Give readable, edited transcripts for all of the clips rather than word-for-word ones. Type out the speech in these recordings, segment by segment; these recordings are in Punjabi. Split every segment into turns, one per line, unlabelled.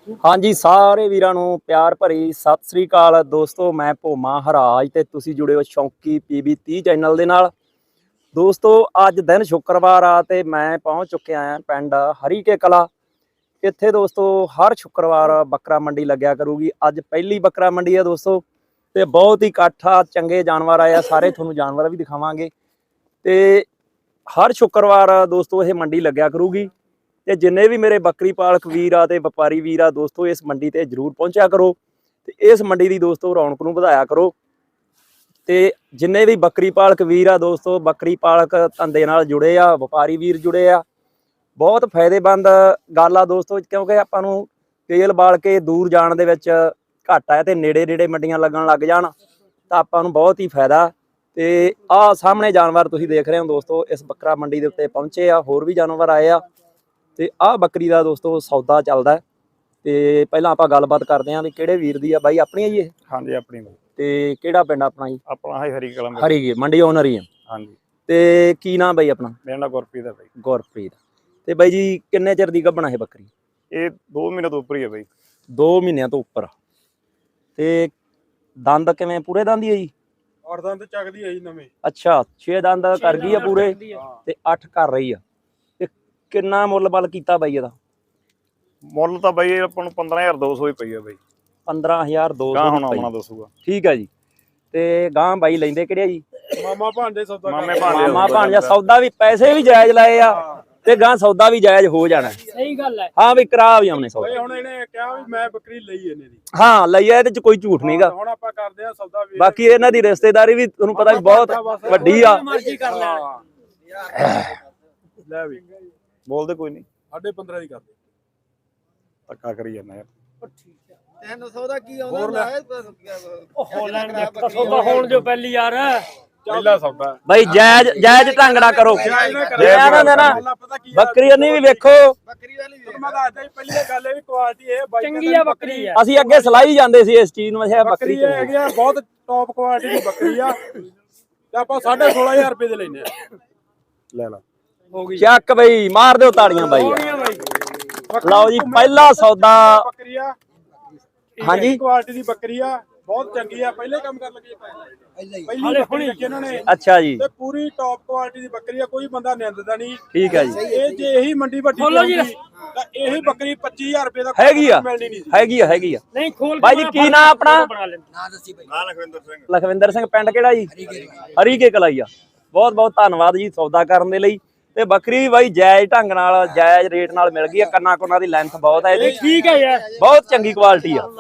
हाँ जी, सारे वीरां नूं प्यार भरी सत श्री अकाल दोस्तों। मैं भोमा हराज ते तुसीं जुड़े हो शौंकी PB 30 चैनल दे नाल। दोस्तों अज दिन शुक्रवार आ ते मैं पहुंच चुकिया हां पिंड हरीके कला। इत्थे दोस्तों हर शुक्रवार बकरा मंडी लग्या करूगी। अज पहली बकरा मंडी है दोस्तों ते बहुत ही इकट्ठ आ, चंगे जानवर आए आ, सारे तुहानूं जानवर भी दिखावांगे। ते हर शुक्रवार दोस्तों ये मंडी लग्या करूगी ते जिन्ने भी मेरे बकरी पालक वीर आ ते व्यापारी वीर आ दोस्तों इस मंडी ते जरूर पहुंचा करो ते इस मंडी दी दोस्तों रौनक नूं वधाया करो। ते जिन्ने भी बकरी पालक वीर आ दोस्तों बकरी पालक धंधे नाल जुड़े आ, व्यापारी वीर जुड़े आ, बहुत फायदेमंद गल आ दोस्तों, क्योंकि आपां नूं तेल बाल के दूर जाण दे विच घट है ते नेड़े नेड़े मंडियां लगन लग जाण तां आपां नूं बहुत ही फायदा। ते आ सामने जानवर तुसीं देख रहे हो दोस्तों, इस बकरा मंडी दे उत्ते पहुंचे आ, होर भी जानवर आए आ ते आ बकरी दा दोस्तों सौदा चलदा है। ते पहलां आपां गलबात करदे आं भी किहड़े वीर दी आ बाई, अपनी है जी ये?
हाँ जी अपनी
ते किहड़ा पिंड अपना जी?
अपना है हरी कलम
हरी मंडी ओनर ही है।
हाँ जी
ते की नाम बाई अपना?
मेरा नाम गुरप्रीत है भाई।
गुरप्रीत। ते बाई जी किन्ने चिर दी गब्बण है बकरी?
ये 2 महीने तो ऊपर ही है भाई।
2 महीनों तो उपर। ते दंद किवें पूरे दंद ही है जी?
और दंद चकदी है जी नवे।
अच्छा 6 दंद कर गई है पूरे ते 8 कर रही है। ते किन्ना मुੱਲ बल कीता बाई ਇਹਦਾ?
ਮੁੱਲ ਤਾਂ ਬਾਈ ਆਪਾਂ ਨੂੰ 15200 ਹੀ ਪਈ ਹੈ ਬਾਈ।
15200
ਗਾਂ ਹੁਣ ਆਉਣਾ ਦੱਸੂਗਾ।
ਠੀਕ ਹੈ ਜੀ। ਤੇ ਗਾਂ ਬਾਈ ਲੈਂਦੇ ਕਿਹੜੇ ਜੀ?
ਮਾਮਾ ਭਾਂਡੇ ਸੌਦਾ
ਮਾਮਾ ਭਾਂਜਾ ਸੌਦਾ ਵੀ ਪੈਸੇ ਵੀ ਜਾਇਜ਼ ਲਾਏ ਆ ਤੇ ਗਾਂ ਸੌਦਾ ਵੀ ਜਾਇਜ਼ ਹੋ ਜਾਣਾ।
ਸਹੀ ਗੱਲ ਹੈ।
ਹਾਂ ਵੀ ਕਰਾ ਵੀ ਆਉਣੇ ਸੌਦਾ।
ਬਾਈ ਹੁਣ ਇਹਨੇ ਕਿਹਾ ਵੀ ਮੈਂ ਬੱਕਰੀ ਲਈ ਇਹਨੇ ਦੀ।
ਹਾਂ ਲਈ ਆ, ਇਹਦੇ ਚ ਕੋਈ ਝੂਠ ਨਹੀਂਗਾ।
ਹੁਣ ਆਪਾਂ ਕਰਦੇ ਆ ਸੌਦਾ ਵੀ।
ਬਾਕੀ ਇਹਨਾਂ ਦੀ ਰਿਸ਼ਤੇਦਾਰੀ ਵੀ ਤੁਹਾਨੂੰ ਪਤਾ ਵੀ ਬਹੁਤ ਵੱਡੀ ਆ।
ਮਰਜ਼ੀ ਕਰ ਲੈਣ।
ਲੈ ਵੀ ਬੋਲਦੇ ਕੋਈ ਨਹੀਂ। 15.5 ਦੀ ਕਰਦੇ ਧੱਕਾ ਕਰੀ ਜਾਂਦਾ ਯਾਰ।
ਤੈਨੂੰ ਸੌਦਾ ਕੀ ਆਉਂਦਾ ਹੈ?
ਹੋਲੈਂਡ ਦਾ ਸੌਦਾ ਹੋਣ ਜੋ ਪਹਿਲੀ ਯਾਰ
ਪਹਿਲਾ ਸੌਦਾ
ਬਾਈ ਜਾਇਜ਼ ਢੰਗ ਨਾਲ ਕਰੋ। ਨਾ ਬੱਕਰੀ ਨਹੀਂ ਵੀ ਵੇਖੋ।
ਬੱਕਰੀ ਵਾਲੀ
ਮੈਂ ਦੱਸਦਾ ਜੀ ਪਹਿਲੀ ਗੱਲ ਇਹ ਵੀ ਕੁਆਲਿਟੀ ਇਹ ਬਾਈ
ਚੰਗੀ ਆ ਬੱਕਰੀ ਆ।
ਅਸੀਂ ਅੱਗੇ ਸਲਾਈ ਜਾਂਦੇ ਸੀ ਇਸ ਚੀਜ਼ ਨੂੰ, ਅੱਛਾ ਬੱਕਰੀ
ਹੈਗੀ ਆ ਬਹੁਤ ਟੌਪ ਕੁਆਲਿਟੀ ਦੀ ਬੱਕਰੀ ਆ ਤੇ ਆਪਾਂ 16.5 ਰੁਪਏ ਦੇ ਲੈਨੇ ਆ। ਲੈ ਲਾ
ਹੋ ਗਈ
ਚੱਕ ਬਈ ਮਾਰ ਦਿਓ ਤਾੜੀਆਂ ਬਾਈ। ਲਓ ਜੀ ਪਹਿਲਾ ਸੌਦਾ
ਬੱਕਰੀ ਆ।
ਹਾਂਜੀ
ਕੁਆਲਿਟੀ ਦੀ ਬੱਕਰੀ ਆ, ਬਹੁਤ ਚੰਗੀ ਆ। ਪਹਿਲੇ ਕੰਮ ਕਰਨ ਲੱਗੇ ਪਹਿਲੀ ਬੱਕਰੀ ਰੱਖੀ ਇਹਨਾਂ ਨੇ।
ਅੱਛਾ ਜੀ
ਤੇ ਪੂਰੀ ਟੌਪ ਕੁਆਲਿਟੀ ਦੀ ਬੱਕਰੀ ਆ, ਕੋਈ ਬੰਦਾ ਨਿੰਦਦਾ ਨਹੀਂ।
ਠੀਕ ਹੈ ਜੀ।
ਇਹ ਜੇ ਇਹੀ ਮੰਡੀ ਵੱਡੀ ਹੁੰਦੀ ਤਾਂ ਇਹੀ ਬੱਕਰੀ 25000 ਰੁਪਏ ਦਾ
ਹੈਗੀ ਆ
ਮਿਲਣੀ ਨਹੀਂ ਸੀ।
ਹੈਗੀ ਆ।
ਨਹੀਂ ਖੋਲ
ਬਾਈ ਜੀ ਕੀ ਨਾਂ ਆਪਣਾ?
ਨਾ ਦੱਸੀ ਬਈ।
ਲਖਵਿੰਦਰ ਸਿੰਘ।
ਲਖਵਿੰਦਰ ਸਿੰਘ ਪਿੰਡ ਕਿਹੜਾ ਜੀ? ਹਰੀਕੇ ਕਲਾਈ ਆ। ਬਹੁਤ ਬਹੁਤ ਧੰਨਵਾਦ ਜੀ ਸੌਦਾ ਕਰਨ ਦੇ ਲਈ। ਤੇ ਬੱਕਰੀ ਵੀ ਬਾਈ ਜਾਇਜ਼ ਢੰਗ ਨਾਲ ਜਾਇਜ਼ ਰੇਟ ਨਾਲ ਮਿਲ ਗਈ ਆ। ਕੰਨਾ ਕੁੰਨਾ ਦੀ ਲੈਂਥ ਬਹੁਤ ਹੈ ਇਹਦੀ।
ਠੀਕ ਹੈ ਯਾਰ
ਬਹੁਤ ਚੰਗੀ ਕੁਆਲਿਟੀ ਆ।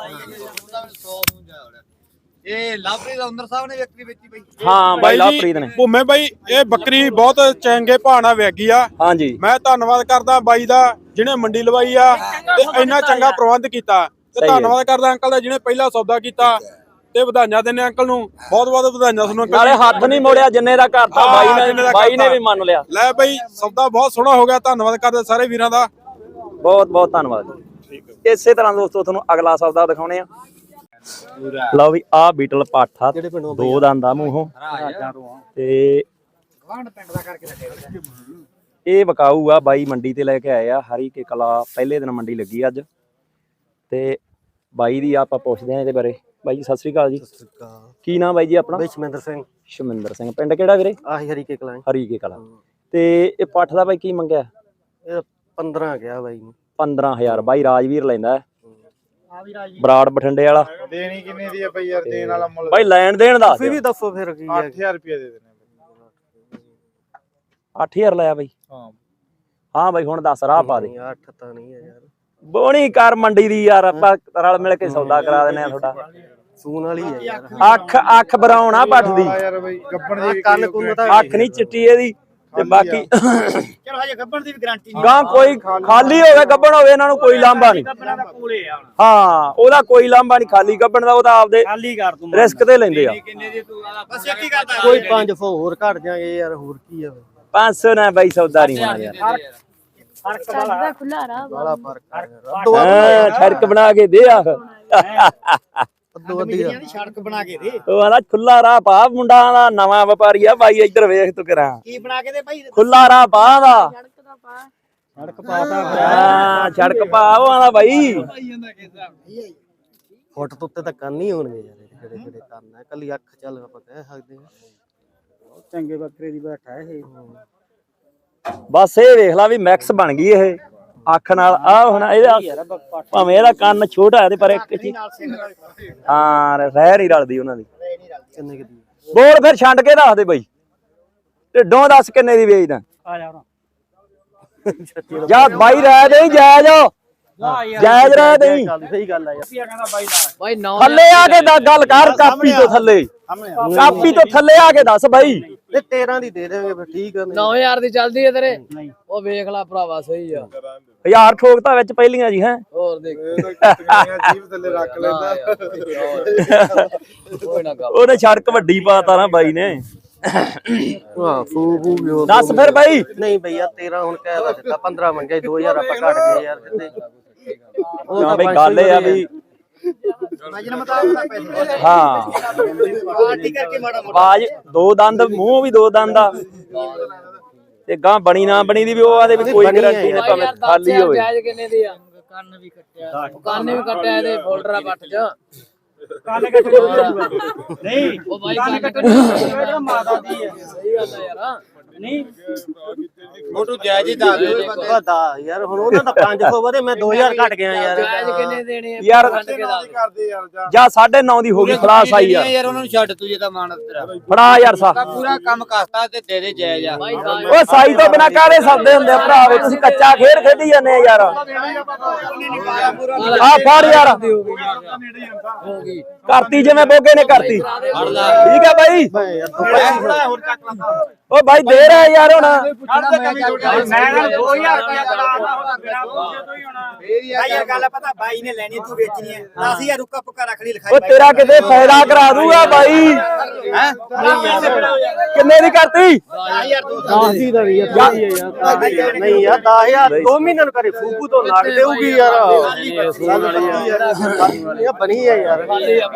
ਇਹ ਲਾਪਰੀ ਦਾ ਅੰਦਰ ਸਾਹਿਬ ਨੇ ਬੱਕਰੀ ਵੇਚੀ ਬਈ।
ਹਾਂ ਬਾਈ ਲਵਪ੍ਰੀਤ ਨੇ।
ਭੂਮੇ ਬਾਈ ਇਹ ਬੱਕਰੀ ਬਹੁਤ ਚੰਗੇ ਭਾਅ ਨਾਲ ਵੇਗੀ ਆ।
ਹਾਂਜੀ
ਮੈਂ ਧੰਨਵਾਦ ਕਰਦਾ ਬਾਈ ਦਾ ਜਿਹਨੇ ਮੰਡੀ ਲਵਾਈ ਆ ਤੇ ਇੰਨਾ ਚੰਗਾ ਪ੍ਰਬੰਧ ਕੀਤਾ। ਤੇ ਧੰਨਵਾਦ ਕਰਦਾ ਅੰਕਲ ਦਾ ਜਿਹਨੇ ਪਹਿਲਾ ਸੌਦਾ ਕੀਤਾ। ਤੇ ਵਧਾਈਆਂ ਦਿੰਦੇ ਅੰਕਲ ਨੂੰ, ਬਹੁਤ ਬਹੁਤ ਵਧਾਈਆਂ ਤੁਹਾਨੂੰ ਅੰਕਲ।
ਨਾਲੇ ਹੱਥ ਨਹੀਂ ਮੋੜਿਆ ਜਿੰਨੇ ਦਾ ਘਰ ਤਾਂ ਬਾਈ ਨੇ ਵੀ ਮੰਨ ਲਿਆ।
ਲੈ ਬਾਈ ਸੌਦਾ ਬਹੁਤ ਸੋਹਣਾ ਹੋ ਗਿਆ। ਧੰਨਵਾਦ ਕਰਦੇ ਸਾਰੇ ਵੀਰਾਂ ਦਾ।
ਬਹੁਤ ਬਹੁਤ ਧੰਨਵਾਦ ਜੀ। ਇਸੇ ਤਰ੍ਹਾਂ ਦੋਸਤੋ ਤੁਹਾਨੂੰ ਅਗਲਾ ਸੌਦਾ ਦਿਖਾਉਣੇ ਆ। ਲਓ ਵੀ ਆਹ ਬੀਟਲ ਪਾਠਾ 2 ਦੰਦ ਆ ਮੂੰਹੋਂ ਤੇ ਇਹ ਵਿਕਾਊ ਆ। ਬਾਈ ਮੰਡੀ ਤੇ ਲੈ ਕੇ ਆਏ ਆ ਹਰੀਕੇ ਕਲਾ। ਪਹਿਲੇ ਦਿਨ ਮੰਡੀ ਲੱਗੀ ਅੱਜ ਤੇ ਬਾਈ ਦੀ ਆਪਾਂ ਪੁੱਛਦੇ ਆ ਇਹਦੇ ਬਾਰੇ। ਬਾਈ ਜੀ ਸਤਿ ਸ੍ਰੀ ਅਕਾਲ ਜੀ। ਕੀ ਨਾਮ ਬਾਈ ਜੀ ਆਪਣਾ?
ਸ਼ਮਿੰਦਰ ਸਿੰਘ।
ਸ਼ਮਿੰਦਰ ਸਿੰਘ। ਪਿੰਡ ਕਿਹੜਾ ਵੀਰੇ?
ਆਹੀ ਹਰੀਕੇ ਕਲਾ।
ਹਰੀਕੇ ਕਲਾ। ਤੇ ਇਹ ਪੱਠ ਦਾ ਬਾਈ ਕੀ ਮੰਗਿਆ?
ਇਹ 15 ਗਿਆ ਬਾਈ ਨੂੰ।
15000 ਬਾਈ ਰਾਜਵੀਰ ਲੈਂਦਾ ਬਰਾੜ ਬਠਿੰਡੇ ਵਾਲਾ।
ਦੇਣੀ ਕਿੰਨੇ ਦੀ ਆ ਬਈ ਯਾਰ? ਦੇਣ ਵਾਲਾ ਮੁੱਲ
ਬਾਈ ਲੈਣ ਦੇਣ ਦਾ
ਤੁਸੀਂ ਵੀ ਦੱਸੋ ਫਿਰ ਕੀ ਹੈ?
8000 ਰੁਪਏ ਦੇ ਦੇਣੇ।
8000 ਲਾਇਆ ਬਾਈ? ਹਾਂ ਬਾਈ ਹੁਣ ਦੱਸ ਰਾਹ ਪਾ ਦੇ।
8 ਤਾਂ ਨਹੀਂ ਹੈ ਯਾਰ।
ਬੋਣੀ ਕਰ ਮੰਡੀ ਦੀ ਯਾਰ, ਆਪਾਂ ਰਲ ਮਿਲ ਕੇ ਸੌਦਾ ਕਰਾ ਦਿੰਨੇ ਆ ਤੁਹਾਡਾ।
ਸੂਨ ਵਾਲੀ ਹੈ ਯਾਰ।
ਅੱਖ ਬਰਾਉਣਾ ਪੱਠ ਦੀ।
ਯਾਰ ਬਈ ਗੱਬਣ ਦੀ
ਕੰਨ ਕੁੰਨ ਤਾਂ
ਅੱਖ ਨਹੀਂ ਚਿੱਟੀ ਇਹਦੀ ਤੇ ਬਾਕੀ
ਚਲੋ ਹਜੇ ਗੱਬਣ ਦੀ ਵੀ ਗਾਰੰਟੀ
ਗਾਂ ਕੋਈ ਖਾਲੀ ਹੋਵੇ ਗੱਬਣ ਹੋਵੇ ਇਹਨਾਂ ਨੂੰ ਕੋਈ ਲਾਂਭਾ ਨਹੀਂ।
ਗੱਬਣਾ ਦਾ ਕੋਲੇ ਆ
ਹਾਂ ਉਹਦਾ ਕੋਈ ਲਾਂਭਾ ਨਹੀਂ। ਖਾਲੀ ਗੱਬਣ ਦਾ ਉਹ ਤਾਂ ਆਪਦੇ
ਖਾਲੀ ਕਰ ਤੂੰ
ਰਿਸਕ ਤੇ ਲੈਂਦੇ ਆ।
ਕਿੰਨੇ ਦੀ ਤੂੰ ਬਸ ਇੱਕ ਹੀ ਕਰਦਾ
ਕੋਈ 500 ਹੋਰ ਘਟ ਜਾਗੇ ਯਾਰ, ਹੋਰ ਕੀ ਆ?
500 ਨਾ ਬਾਈ ਸੌਦਾ ਨਹੀਂ ਹੋਣਾ ਯਾਰ।
ਫਰਕ ਵਾਲਾ
ਖੁੱਲਾ ਰਾਹ
ਬੜਾ ਫਰਕ ਆ
ਹਾਂ ਠੜਕ ਬਣਾ ਕੇ ਦੇ ਆ।
ਅੱਧੋ ਅੱਧੀ ਆ।
ਸੜਕ ਬਣਾ ਕੇ ਦੇ।
ਉਹ ਆਂਦਾ ਖੁੱਲਾ ਰਾਹ ਪਾ। ਮੁੰਡਾ ਦਾ ਨਵਾਂ ਵਪਾਰੀ ਆ ਬਾਈ। ਇੱਧਰ ਵੇਖ ਤੂੰ ਕਰਾਂ
ਕੀ ਬਣਾ ਕੇ ਦੇ ਭਾਈ?
ਖੁੱਲਾ ਰਾਹ ਪਾ ਦਾ।
ਸੜਕ ਪਾਤਾ
ਹਾਂ ਸੜਕ ਪਾ ਉਹ ਆਂਦਾ ਬਾਈ
ਫੁੱਟ ਤੋਂ ਉੱਤੇ ਤਾਂ ਕੰਨ ਹੀ ਹੋਣਗੇ ਯਾਰ ਕਿਹੜੇ ਕਿਹੜੇ ਕੰਨ ਹੈ ਕੱਲੀ ਅੱਖ ਚੱਲ ਆਪਾਂ ਕਹਿ ਸਕਦੇ ਹਾਂ
ਚੰਗੇ ਬੱਕਰੇ ਦੀ ਬੈਠਾ ਇਹ
ਬਸ ਇਹ ਵੇਖ ਲਾ ਵੀ ਮਿਕਸ ਬਣ ਗਈ ਇਹ ਅੱਖ ਨਾਲ ਆ ਹੁਣ ਇਹਦਾ ਭਾਵੇਂ ਇਹਦਾ ਕੰਨ ਛੋਟਾ ਹੈ ਤੇ ਪਰ ਇੱਕ ਹਾਂ ਰਹਿ ਨਹੀਂ ਰਲਦੀ ਉਹਨਾਂ ਦੀ
ਕਿੰਨੇ ਕਿਦੀ
ਬੋਲ ਫਿਰ ਛੱਡ ਕੇ ਦੱਸ ਦੇ ਬਾਈ ਢਿੱਡੋਂ ਦੱਸ ਕਿੰਨੇ ਦੀ ਵੇਚਦਾ
ਆ ਜਾ
ਜਾਂ ਬਾਈ ਰਹਿ ਦੇ ਜਾਇਜ਼ ਜਾਇਜ਼ ਰਹਿ ਦੇ
ਸਹੀ ਗੱਲ ਆ ਯਾਰ
ਬਾਈ
ਥੱਲੇ ਆ ਕੇ ਗੱਲ ਕਰ ਕਾਪੀ ਤੋਂ ਥੱਲੇ ਕਾਪੀ ਤੋਂ ਥੱਲੇ ਆ ਕੇ ਦੱਸ ਬਾਈ
ਇਹ 13 ਦੀ ਦੇ ਦੇਵਾਂਗੇ ਫਿਰ ਠੀਕ ਆ
9000 ਦੀ ਚੱਲਦੀ ਹੈ ਤੇਰੇ ਉਹ ਵੇਖ ਲੈ ਭਰਾਵਾ ਸਹੀ ਆ
1000 ਠੋਕਤਾ ਵਿੱਚ ਪਹਿਲੀਆਂ ਜੀ ਹੈ
ਹੋਰ ਦੇਖ
ਜੀਭ ਥੱਲੇ ਰੱਖ ਲੈਂਦਾ
ਕੋਈ ਨਾ ਗੱਲ
ਉਹਨੇ ਸੜਕ ਵੱਡੀ ਪਾਤਾ ਨਾ ਬਾਈ ਨੇ
ਹਾਂ ਫੂ ਵੀ ਉਹ
ਦੱਸ ਫਿਰ ਬਾਈ
ਨਹੀਂ ਭਈਆ 13 ਹੁਣ ਕਹਿ ਵਾ ਦਿੱਤਾ 15 ਮੰਗੇ 2000 ਆਪਾਂ ਘੱਟ ਗਏ ਯਾਰ ਜਿੱਤੇ ਉਹ
ਹਾਂ
ਤਾਂ
ਬਈ ਗੱਲ ਇਹ ਆ ਵੀ ਹਾਂ ਬਾਜ ਦੋ ਦੰਦ ਮੂੰਹ ਵੀ ਦੋ ਦੰਦ ਆ ਤੇ ਗਾਂ ਬਣੀ ਨਾ ਬਣੀ ਦੀ ਵੀ ਉਹ ਆਦੇ ਵੀ ਕੋਈ ਗਰੰਟੀ ਨਹੀਂ ਭਾਵੇਂ ਖਾਲੀ ਹੋਵੇ
ਜਾਇਜ਼ ਕਿੰਨੇ ਦੀ ਆ ਕੰਨ ਵੀ ਕੱਟਿਆ ਕੰਨ ਵੀ ਕੱਟਿਆ ਇਹਦੇ ਫੋਲਡਰਾਂ ਪੱਟ ਚ ਕੰਨ ਕੱਟਿਆ ਨਹੀਂ ਉਹ ਬਾਈ ਕੰਨ ਕੱਟਿਆ ਮਾਤਾ ਦੀ ਹੈ ਸਹੀ ਗੱਲ ਹੈ ਯਾਰ ਨਹੀਂ
ਮੋਟੂ ਜਾਇਜ਼ ਹੀ ਦੱਸ ਦੇ ਪਤਾ ਯਾਰ ਹੁਣ ਉਹਨਾਂ ਦਾ 500 ਵਧੇ ਮੈਂ 2000 ਘਟ ਗਿਆ ਯਾਰ
ਜਾਇਜ਼ ਕਿੰਨੇ ਦੇਣੇ ਆ
ਯਾਰ ਜਾਂ 9.5 ਦੀ ਹੋ ਗਈ ਖਲਾਸ ਆਈ ਯਾਰ
ਯਾਰ ਉਹਨਾਂ ਨੂੰ ਛੱਡ ਤੂੰ ਜੇ ਤਾਂ ਮਾਨਤ ਤੇਰਾ
ਫੜਾ ਯਾਰ ਸਾ
ਪੂਰਾ ਕੰਮ ਕਰਤਾ ਤੇ ਦੇ ਦੇ ਜਾਇਜ਼ ਆ
ਓ ਸਾਈ ਤੋਂ ਬਿਨਾ ਕਾਹਦੇ ਸੌਦੇ ਹੁੰਦੇ ਆ ਭਰਾਵੇ ਤੁਸੀਂ ਕੱਚਾ ਖੇਡ ਖੇਡੀ ਜਾਂਦੇ ਆ ਯਾਰ ਆ ਫੜ ਯਾਰ
ਹੋ ਗਈ
ਕਰਤੀ ਜਿਵੇਂ ਬੋਗੇ ਨੇ ਕਰਤੀ ਠੀਕ ਹੈ ਬਾਈ ਓ ਬਾਈ ਦੇ ਰਿਹਾ ਯਾਰ ਹੁਣ
ਯਾਰ ਗੱਲ ਪਤਾ ਬਾਈ ਨੇ ਲੈਣੀ ਤੂੰ ਵੇਚਣੀ ਹੈ 10000 ਰੁੱਕਾ ਪੱਕਾ ਰੱਖ ਲਈ
ਓ ਤੇਰਾ ਕਿਤੇ ਫਾਇਦਾ ਕਰਾ ਦੂਗਾ ਬਾਈ
ਹੈ
ਕਿੰਨੇ ਦੀ ਕਰਤੀ
10 ਦੀ ਦਾ ਵੀ ਯਾਰ ਨਹੀਂ ਯਾਰ 10000 2 ਮਹੀਨਿਆਂ ਨੂੰ ਕਰੇ ਫੂਕੂ ਤੋਂ ਲੱਗ ਦੇਊਗੀ ਯਾਰ ਇਹ ਬਣੀ ਹੈ ਯਾਰ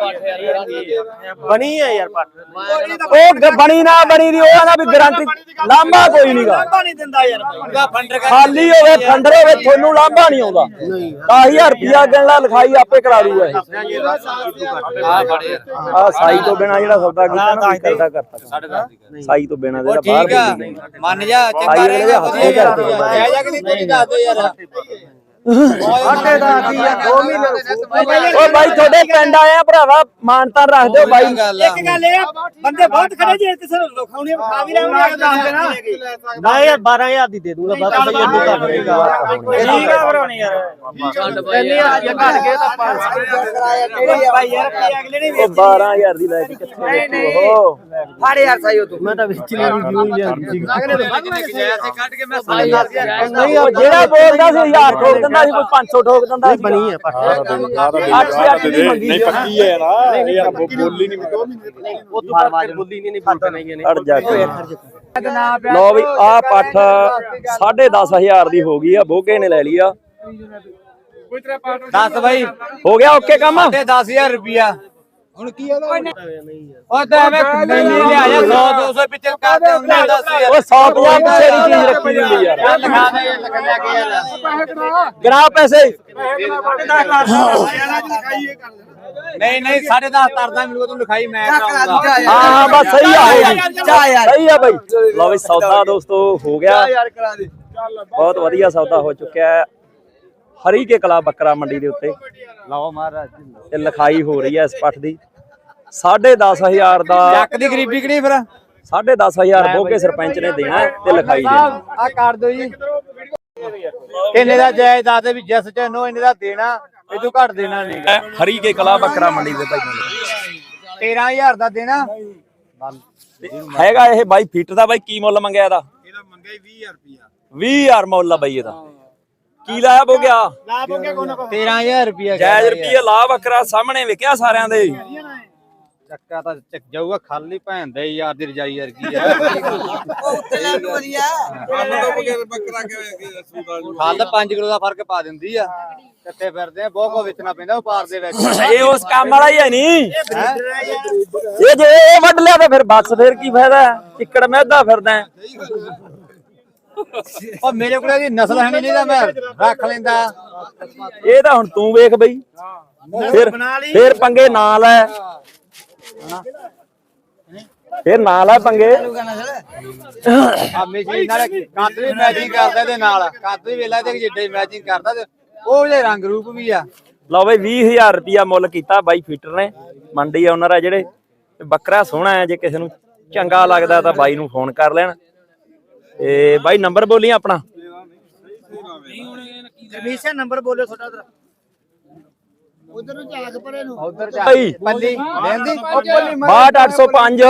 ਬਣੀ ਹੈ ਯਾਰ ਪੱਟ
ਉਹ ਬਣੀ ਨਾ ਬਣੀ ਦੀ ਉਹ ਆਂਦਾ ਵੀ ਗਾਰੰਟੀ ਲਾਂਭਾ ਕੋਈ ਨਹੀਂਗਾ
ਨਹੀਂ ਦਿੰਦਾ ਯਾਰ ਉਹਦਾ ਫੰਡਰ
ਖਾਲੀ ਹੋਵੇ ਫੰਡਰ ਹੋਵੇ ਤੁਹਾਨੂੰ ਲਾਂਭਾ ਨਹੀਂ ਆਉਂਦਾ 10000 ਰੁਪਿਆ ਗਿਣਲਾ ਲਿਖਾਈ ਆਪੇ ਕਰਾ ਦੂਗਾ ਇਹ
ਆ ਫੜੇ
ਆ ਸਾਈ ਤੋਂ ਬਿਨਾ ਜਿਹੜਾ ਸੌਦਾ ਕੀਤਾ ਨਾ ਕਰਦਾ ਕਰਤਾ ਸਾਈ ਤੋਂ ਬਿਨਾ ਜਿਹੜਾ ਬਾਹਰ
ਠੀਕ ਆ ਮੰਨ ਜਾ ਚੰਗਾ ਰਹੇਗਾ ਵਧੀਆ ਜਾਇਜ਼ ਕਿ ਨਹੀਂ ਤੇਰੀ ਦੱਸ ਦੇ ਯਾਰ
ਸਾਡੇ ਦਾ ਦੀ ਆ 2 ਮਹੀਨੇ
ਓ ਬਾਈ ਤੁਹਾਡੇ ਪਿੰਡ ਆਏ ਆ ਭਰਾਵਾ ਮਾਨਤਾਨ ਰੱਖ ਦਿਓ ਬਾਈ
ਇੱਕ
ਗੱਲ ਇਹ ਆ ਬੰਦੇ ਬਹੁਤ ਖੜੇ ਜੇ ਕਿਸੇ ਨੂੰ ਲਿਖਾਉਣੀ ਖਾ ਵੀ ਲੈਣਗੇ
ਨਾ ਯਾਰ 12000 ਦੀ ਦੇ ਦੂੰਗਾ ਬਸ ਸਹੀ ਅੱਡੂ ਕਰ ਦੇਗਾ
ਠੀਕ ਆ ਭਰਾਉਣੀ ਯਾਰ ਛੱਡ ਬਾਈ ਯਾਰ
ਘਟ ਗਏ ਤਾਂ 500
ਬਾਈ ਯਾਰ ਅਗਲੇ ਨੇ
ਉਹ 12000 ਦੀ ਲੈ ਕੇ ਕਿੱਥੇ ਵੇਚੂ ਉਹ
ਫੜ ਯਾਰ ਸਾਈਓ ਤੂੰ
ਮੈਂ ਤਾਂ ਵਿੱਚ ਨਹੀਂ ਰਿਵਿਊ ਹੀ ਲਿਆਂਦੀ ਸੀ
ਕੱਢ ਕੇ ਮੈਂ
ਨਹੀਂ
ਉਹ ਜਿਹੜਾ ਬੋਲਦਾ ਸੀ 1000 ਠੋਕ ਦਿੰਦਾ ਸੀ ਕੋਈ 500 ਠੋਕ ਦਿੰਦਾ ਸੀ
ਬਣੀ ਹੈ ਪੱਟ
8 ਦੀ ਮੰਗੀ
ਨਹੀਂ ਪੱਕੀ ਹੈ ਨਾ ਇਹ ਯਾਰ ਬੋਲੀ ਨਹੀਂ
ਉਹ ਤੋਂ ਬਾਅਦ ਬੁੱਲੀ ਨਹੀਂ ਬੋਲਦਾ ਨਹੀਂ ਇਹਨੇ
ਅੜ ਜਾ ਕੇ ਲਓ ਵੀ ਆ ਪੱਠ 10500 ਦੀ ਹੋ ਗਈ ਆ ਬੋਗੇ ਨੇ ਲੈ ਲਈ ਆ
ਦੱਸ ਬਾਈ
ਹੋ ਗਿਆ ਓਕੇ ਕੰਮ
ਤੇ 10000 ਰੁਪਿਆ ਹੁਣ ਕੀ ਆ
ਨਹੀਂ ਯਾਰ
ਉਹ ਤਾਂ ਐਵੇਂ ਨਹੀਂ ਲਿਆ ਜਾ 100 200 ਪਿੱਛੇ ਕਰਦੇ ਹੁੰਦੇ 10000
ਓਏ 150 ਪਿੱਛੇ ਦੀ ਚੀਜ਼ ਰੱਖੀ ਹੁੰਦੀ ਯਾਰ
ਲਗਾ ਦੇ ਲੈ ਕੇ ਯਾਰ
ਗਰਾ ਪੈਸੇ
ਨਹੀਂ ਨਹੀਂ 10.5 ਤਰਦਾ ਮੈਨੂੰ ਤੂੰ ਲਿਖਾਈ ਮੈਂ ਕਰਾਉਂਗਾ
ਹਾਂ ਬਸ ਸਹੀ ਆ ਸਹੀ ਆ ਬਾਈ ਲਓ ਵੀ ਸੌਦਾ ਦੋਸਤੋ ਹੋ ਗਿਆ ਬਹੁਤ ਵਧੀਆ ਸੌਦਾ ਹੋ ਚੁੱਕਿਆ ਹੈ ਹਰੀ ਕੇ ਕਲਾ ਬੱਕਰਾ ਮੰਡੀ ਦੇ ਉੱਤੇ
ਲਓ ਮਹਾਰਾਜ
ਤੇ ਲਿਖਾਈ ਹੋ ਰਹੀ ਹੈ ਇਸ ਪੱਠ ਦੀ 10500 ਦਾ
ਚੱਕ ਦੀ ਗਰੀਬੀ ਕਿ ਨਹੀਂ ਫਿਰ
10500 ਬੋਗੇ ਸਰਪੰਚ ਨੇ ਦੇਣਾ ਹੈ ਤੇ ਲਿਖਾਈ ਦੇਣਾ
ਆ ਕਰ ਦਿਓ ਜੀ ਇਹਨੇ ਦਾ ਜਾਇਜ਼ ਦੱਸ ਦੇ ਵੀ ਜਿਸ ਚ ਨੋ ਇਹਨੇ ਦਾ ਦੇਣਾ ਇਹ ਤੋਂ ਘੱਟ ਦੇਣਾ ਨਹੀਂ
ਹਰੀ ਕੇ ਕਲਾ ਬੱਕਰਾ ਮੰਡੀ ਦੇ ਭਾਈਆਂ
13000 ਦਾ ਦੇਣਾ
ਦੇ ਹੈਗਾ ਇਹ ਬਾਈ ਫੀਟ ਦਾ ਬਾਈ ਕੀ ਮੁੱਲ ਮੰਗਿਆ ਇਹਦਾ
ਮੰਗਿਆ 20000 ਰੁਪਿਆ
20000 ਮੁੱਲ ਆ ਬਾਈ ਇਹਦਾ ਕੀ ਲਾਇਆ ਬੋਗਿਆ
13000 ਰੁਪਿਆ
ਜਾਇਜ਼ ਰੁਪਈਏ ਲਾ ਬੱਕਰਾ ਸਾਹਮਣੇ ਵਿਕਿਆ ਸਾਰਿਆਂ ਦੇ
ਚੱਕਾ ਤਾਂ ਚੱਕ ਜਾਊਗਾ ਖਾਲੀ ਭੈਣ ਦੇ ਯਾਰ ਦੀ ਰਜਾਈ ਵਰਗੀ ਆ ਖਾਲ 5 ਕਿਲੋ ਦਾ ਫਰਕ ਪਾ ਦਿੰਦੀ ਆ ਕੱਤੇ ਫਿਰਦੇ ਆ ਬਹੁਤ ਕੋ ਵੇਚਣਾ ਪੈਂਦਾ ਵਪਾਰ ਦੇ ਵਿੱਚ
ਇਹ ਉਸ ਕੰਮ ਵਾਲਾ ਹੀ ਹੈ ਨਹੀਂ ਇਹ ਜੇ ਇਹ ਵੱਢ ਲਿਆ ਤਾਂ ਫਿਰ ਬਸ ਫਿਰ ਕੀ ਫਾਇਦਾ ਚਿੱਕੜ ਮਹਿਦਾ ਫਿਰਦਾ
ਉਹ ਮੇਰੇ ਕੋਲ ਇਹਦੀ ਨਸਲ ਹੈ ਨਹੀਂ ਤਾਂ ਮੈਂ ਰੱਖ ਲੈਂਦਾ।
ਇਹ ਤਾਂ ਹੁਣ ਤੂੰ ਵੇਖ ਬਈ, ਫਿਰ ਪੰਗੇ ਨਾ ਲੈ, ਫਿਰ ਨਾ ਲੈ ਪੰਗੇ।
ਆ ਮਸ਼ੀਨ ਨਾਲ ਕੱਦ ਵੀ ਮੈਚਿੰਗ ਕਰਦਾ ਇਹਦੇ ਨਾਲ, ਕੱਦ ਵੀ ਵੇਲਾ ਤੇ ਜਿੱਡੇ ਮੈਚਿੰਗ ਕਰਦਾ ਤੇ ਉਹ ਜਿਹੇ ਰੰਗ ਰੂਪ ਵੀ ਆ।
ਲਓ ਬਈ 20,000 ਰੁਪਿਆ ਮੁੱਲ ਕੀਤਾ ਬਾਈ ਫੀਟਰ ਨੇ, ਮੰਡੀ ਓਨਰ ਆ ਜਿਹੜੇ। ਬੱਕਰਾ ਸੋਹਣਾ ਹੈ, ਜੇ ਕਿਸੇ ਨੂੰ ਚੰਗਾ ਲੱਗਦਾ ਤਾਂ ਬਾਈ ਨੂੰ ਫੋਨ ਕਰ ਲੈਣ। ਤੇ ਬਾਈ ਨੰਬਰ ਬੋਲੀ ਆਪਣਾ।
ਰਮੇਸ਼ਾ ਨੰਬਰ ਬੋਲਿਓ ਤੁਹਾਡਾ ਉਧਰ ਨੂੰ ਝਾਕ ਪਰੇ ਨੂੰ, ਉਧਰ ਝਾਕ
ਬਾਈ
ਪੱਲੀ ਲੈਂਦੀ
62805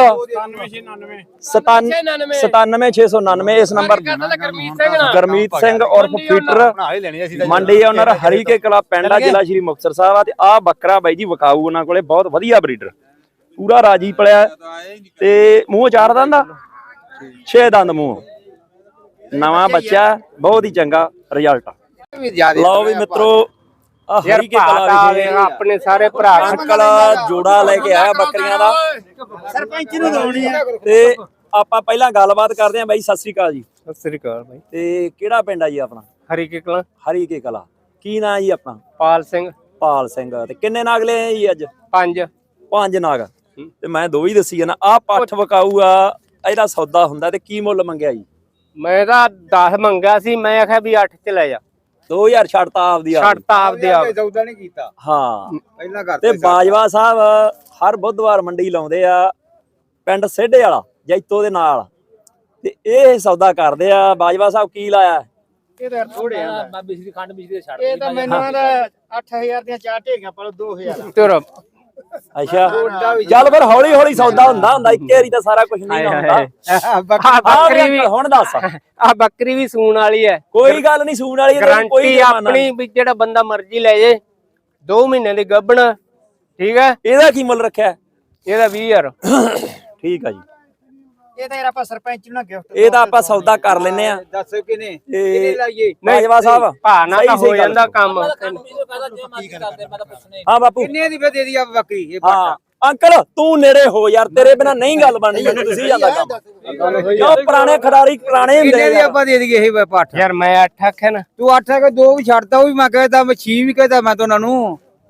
97699 ਇਸ ਨੰਬਰ। ਗਰਮੀਤ ਸਿੰਘ ਉਰਫ ਫੀਟਰ,
ਬਣਾ ਹੀ ਲੈਣੀ ਅਸੀਂ ਤਾਂ।
ਮੰਡੀ ਓਨਰ ਹਰੀਕੇ ਕਲਾ ਪਿੰਡ ਆ, ਜ਼ਿਲ੍ਹਾ ਸ਼੍ਰੀ ਮੁਕਤਸਰ ਸਾਹਿਬ ਆ। ਤੇ ਆਹ ਬੱਕਰਾ ਬਾਈ ਜੀ ਵਿਕਾਊ ਉਹਨਾਂ ਕੋਲੇ, ਬਹੁਤ ਵਧੀਆ ਬਰੀਡਰ, ਪੂਰਾ ਰਾਜੀ ਪਲਿਆ ਤੇ ਮੂੰਹ 4 ਦੰਦ ਆ, 6 ਦੰਦ ਮੂੰਹ, ਨਵਾਂ ਬੱਚਾ, ਬਹੁਤ ਹੀ ਚੰਗਾ ਰਿਜ਼ਲਟ ਆ। ਲਓ ਵੀ ਮਿੱਤਰੋ, ਆ ਹਰੀਕੇ ਕਲਾ ਵਿਖੇ
ਆਪਣੇ ਸਾਰੇ ਭਰਾ
ਅੰਕਲ ਜੋੜਾ ਲੈ ਕੇ ਆਇਆ ਬੱਕਰੀਆਂ ਦਾ।
ਸਰਪੰਚ ਨੂੰ ਲਾਉਣੀ ਆ।
ਤੇ ਆਪਾਂ ਪਹਿਲਾਂ ਗੱਲਬਾਤ ਕਰਦੇ ਆਂ ਬਾਈ। ਸਤਿ ਸ੍ਰੀ ਅਕਾਲ ਜੀ।
ਸਤਿ ਸ੍ਰੀ ਅਕਾਲ ਬਾਈ।
ਤੇ ਕਿਹੜਾ ਪਿੰਡ ਆ ਜੀ ਆਪਣਾ?
ਹਰੀਕੇ ਕਲਾਂ,
ਹਰੀਕੇ ਕਲਾ। ਕੀ ਨਾਂ ਜੀ ਆਪਣਾ?
ਪਾਲ ਸਿੰਘ।
ਪਾਲ ਸਿੰਘ। ਤੇ ਕਿੰਨੇ ਨਾਗ ਲਏ ਆ ਜੀ ਅੱਜ?
5
ਨਾਗ। ਤੇ ਮੈਂ 2 ਹੀ ਦੱਸੀ ਜਾਣਾ। ਆਹ ਪੱਠ ਵਿਕਾਊ ਆ, ਇਹਦਾ ਸੌਦਾ ਹੁੰਦਾ। ਤੇ ਕੀ ਮੁੱਲ ਮੰਗਿਆ ਜੀ?
ਮੈਂ ਤਾਂ 10 ਮੰਗਿਆ ਸੀ, ਮੈਂ ਆਖਿਆ ਵੀ 8 ਚ ਲੈ ਜਾ।
2000 ਛੱਡਤਾ ਆਪਦੀ ਆਪ।
ਛੱਡਤਾ ਆਪਦੇ ਆਪ।
ਸੌਦਾ ਨਹੀਂ ਕੀਤਾ
ਹਾਂ
ਪਹਿਲਾਂ ਕਰ।
ਤੇ ਬਾਜਵਾ ਸਾਹਿਬ ਹਰ ਬੁੱਧਵਾਰ ਮੰਡੀ ਲਾਉਂਦੇ ਆ, ਪਿੰਡ ਸੇਢੇ ਵਾਲਾ ਜੈਤੋ ਦੇ ਨਾਲ। ਤੇ ਇਹ ਸੌਦਾ ਕਰਦੇ ਆ। ਬਾਜਵਾ ਸਾਹਿਬ ਕੀ ਲਾਇਆ?
ਇਹ ਤਾਂ ਥੋੜੇ ਆ।
ਬਾਬੀ ਦੀ ਖੰਡ ਬਿਜਲੀ ਛੱਡ
ਇਹ ਤਾਂ ਮੈਨੂੰ ਆਦਾ 8000 ਦੀਆਂ 4 ਢੇਗੀਆਂ ਪਾ ਲਓ 2000।
ਤੁਰ
ਅੱਛਾ ਚੱਲ ਫਿਰ ਹੌਲੀ ਹੌਲੀ ਸੌਦਾ ਹੁੰਦਾ ਇੱਕੇ ਵਾਰੀ ਤਾਂ ਸਾਰਾ ਕੁਝ ਨਹੀਂ ਹੁੰਦਾ।
ਆ
ਬੱਕਰੀ
ਬੱਕਰੀ ਵੀ,
ਹੁਣ ਦੱਸ।
ਆ ਬੱਕਰੀ ਵੀ ਸੂਣ ਵਾਲੀ ਹੈ।
ਕੋਈ ਗੱਲ ਨਹੀਂ, ਸੂਣ ਵਾਲੀ
ਗਾਰੰਟੀ ਆਪਣੀ ਵੀ ਜਿਹੜਾ ਬੰਦਾ ਮਰਜ਼ੀ ਲੈ ਜੇ। 2 ਮਹੀਨੇ ਦੀ ਗੱਭਣ, ਠੀਕ ਹੈ।
ਇਹਦਾ ਕੀ ਮੁੱਲ ਰੱਖਿਆ?
ਇਹਦਾ 20000।
ਠੀਕ ਆ ਜੀ।
ਇਹ ਤਾਂ ਯਾਰ ਆਪਾਂ ਸਰਪੰਚ ਨੂੰ ਨਾ ਗਿਫਟ।
ਇਹ ਤਾਂ ਆਪਾਂ ਸੌਦਾ ਕਰ ਲੈਨੇ ਆ।
ਦੱਸੋ ਕਿਨੇ
ਤੇ
ਲਾਈਏ?
ਬਾਜਵਾ ਸਾਹਿਬ
ਭਾਣਾ ਤਾਂ ਹੋ ਜਾਂਦਾ ਕੰਮ।
ਹਾਂ ਬਾਪੂ,
ਕਿੰਨੇ ਦੀ ਫੇ ਦੇ ਦੀ ਆ ਬੱਕਰੀ? ਇਹ
ਹਾਂ ਅੰਕਲ ਤੂੰ ਨੇੜੇ ਹੋ ਯਾਰ, ਤੇਰੇ ਬਿਨਾ ਨਹੀਂ ਗੱਲ ਬਣਨੀ। ਮੈਨੂੰ ਤੁਸੀਂ ਜਾਂਦਾ ਕੰਮ ਕਿਉਂ? ਪੁਰਾਣੇ ਖਿਡਾਰੀ ਪੁਰਾਣੇ ਹੁੰਦੇ
ਕਿੰਨੇ ਦੀ
ਆ।
ਆਪਾਂ ਦੇ ਦਈਏ ਇਹ ਪੱਠ?
ਯਾਰ ਮੈਂ 8 ਆਖਿਆ ਨਾ।
ਤੂੰ 8 ਕੇ 2 ਵੀ ਛੱਡਦਾ, ਉਹ ਵੀ ਮੈਂ ਕਹਿੰਦਾ, ਮੈਂ 6 ਵੀ ਕਹਿੰਦਾ ਮੈਂ ਤਾਂ ਉਹਨਾਂ ਨੂੰ।